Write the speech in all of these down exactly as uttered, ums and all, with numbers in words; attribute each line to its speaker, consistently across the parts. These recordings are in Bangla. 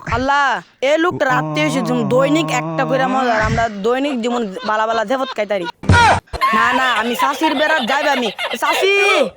Speaker 1: আল্লাহ এই লোকটা রাত্রে এসে যেমন দৈনিক একটা করে মজার আমরা দৈনিক যেমন বালা বালা দেবত খাইতারি না না আমি শাশির বেড়াত যাইবে আমি শাশি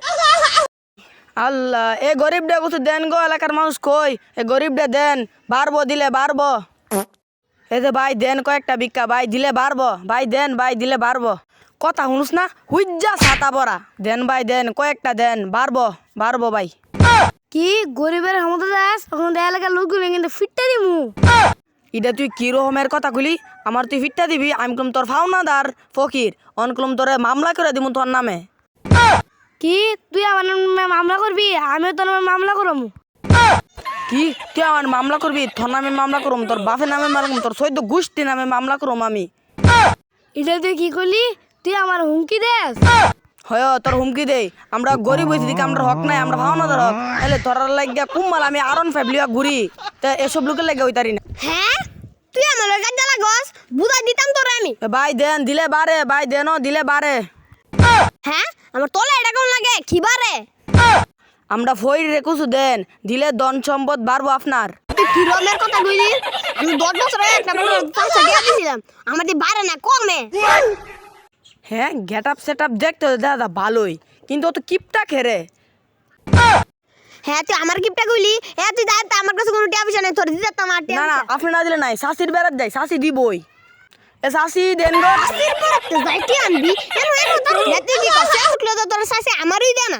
Speaker 1: আল্লাহ এ গরিবটা কিছু দেন গো এলাকার মানুষ কই এ গরিবটা দেন বাড়বো দিলে বাড়বো এই যে ভাই দেন কয়েকটা ভিক্ষা ভাই দিলে বাড়বো ভাই দেন ভাই দিলে বাড়বো কথা শুনুস না হুইজ্জা ছাতা পরা দেন ভাই দেন কয়েকটা দেন বাড়বো বাড়বো ভাই
Speaker 2: কি গরিবের ক্ষমতা দাস এখন এলাকার লোকগুলো কিন্তু ফিটটা দিমু
Speaker 1: ইটা তুই কি রকমের কথা কইলি আমার তুই ফিটটা দিবি আমি কলম তোর ফাওনাদার ফকির অনকলম তোরে মামলা করে দিমু তোর নামে
Speaker 2: কি তুই আমার নামে মামলা করবি আমিও তোর নামে মামলা করবো
Speaker 1: কি তুই আমার মামলা করবি তোর নামে মামলা করুম তোর বাপের নামে মামলা করুম তোর সৈদ্য গোষ্ঠী নামে মামলা করুম আমি
Speaker 2: এটা তুই কি করলি তুই আমার হুমকি দেস
Speaker 1: হয় তোর হুমকি দেই আমরা গরিব হয়েছি দিকে আমরা হক নাই আমরা ভাওনাদার হক তাহলে তোর লাগিয়া কুম্মাল আমি আরন ফ্যামিলিয়া ঘুরি তা এসব লোকের লাগে হইতারি না
Speaker 2: হ্যাঁ তুই আমার কাজ জ্বালা গস বুঝাই দিতাম তোর আমি
Speaker 1: এ ভাই দেন দিলে বারে ভাই দেন দিলে বারে
Speaker 2: হ্যাঁ আমার তোলা এটা কেমন লাগে খিবারে
Speaker 1: আমরা ফই রেকুছু দেন দিলে ধন সম্পদ বাড়বো আপনার
Speaker 2: তুই কি রমের কথা কইলি আমি দশ বছর আগে একটা বড় পাঁচটা দিয়ে দিয়েছিলাম আমাদের বাইরে না কমে
Speaker 1: হ্যাঁ গেট আপ সেট আপ দেখতে দাদা ভালোই কিন্তু অত কিপটা খেরে
Speaker 2: হ্যাঁ তুই আমার গিফটটা কইলি হ্যাঁ তুই দাঁড়া আমার কাছে কোনো টিয়া পয়সা নেই তোর দিতে আমার টিয়া
Speaker 1: না না আপনি না দিলে নাই শাশির বেড়াত যাই শাশি দিবই এ শাশি দেন গো
Speaker 2: শাশির বেড়াতে যাইতে আনবি কেন এখন তোর হেতে কি কষ্ট উঠলো তো তোর শাশি আমারই দে না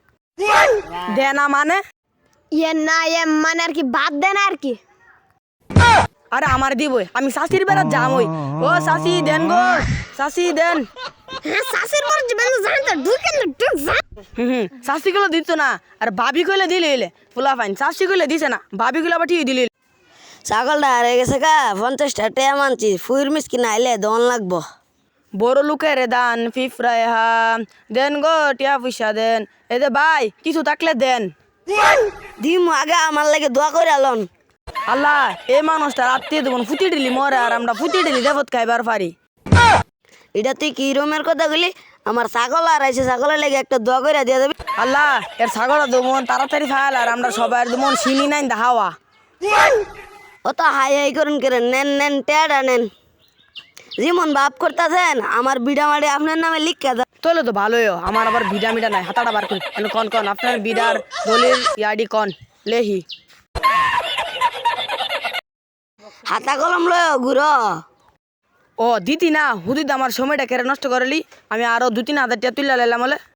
Speaker 1: দে না মানে
Speaker 2: ইয়ে না ইয়ে মানে আর কি বাদ দে না আর কি
Speaker 1: আরে আমার দিবই আমি শাশির বেড়াত যামই ও শাশি দেন গো শাশি দেন
Speaker 2: হ্যাঁ শাশির পর জীবন জানতে ঢুকে না ঢুক যা
Speaker 1: হুম হুম শাশি গুলো দিত না আর ভাবি কইলে দিলে এলে ফুলা ফাইন শাশি কইলে দিছে না ভাবি গুলো আবার ঠিক দিলে
Speaker 3: ছাগলটা হারিয়ে গেছে কা পঞ্চাশটা টেয়া মানছি ফুইর মিসকিন আইলে দন লাগবো
Speaker 1: বড় লোকের দান ফিফরায় হা দেন গো টিয়া পয়সা দেন এ দে ভাই কিছু থাকলে দেন
Speaker 3: দিম আগে আমার লাগে দোয়া করে আলন
Speaker 1: আল্লাহ এই মানুষটা রাত্রে দেবন ফুটি দিলি মরে আর আমরা ফুটি দিলি দেবত খাইবার পারি
Speaker 3: এটা তুই কি রুমের কথা বলি আমার ছাগল আর আইসে ছাগলের লেগে একটা দোয়া করে দিয়ে দেবে
Speaker 1: আল্লাহ এর ছাগল দেবন তাড়াতাড়ি ফায়াল আর আমরা সবাই দেবন চিনি নাই হাওয়া
Speaker 3: ও তো হাই হাই করুন করে নেন নেন টেয়াটা নেন যেমন বাপ করতেছেন আমার বিড়া মারি আপনার নামে লিখে দেন
Speaker 1: তাহলে তো ভালোই আমার আবার বিডা মিডা নাই হাতাটা বার করি কেন কন কন আপনার বিডার দলিল ইয়াডি কন লেহি
Speaker 3: হাতা কলম লয় ঘুরো
Speaker 1: ও দিতি না হুদিত আমার সময়টা কেড়ে নষ্ট করলি আমি আরো দু তিন হাজার টাকা তুলে লাইলাম বলে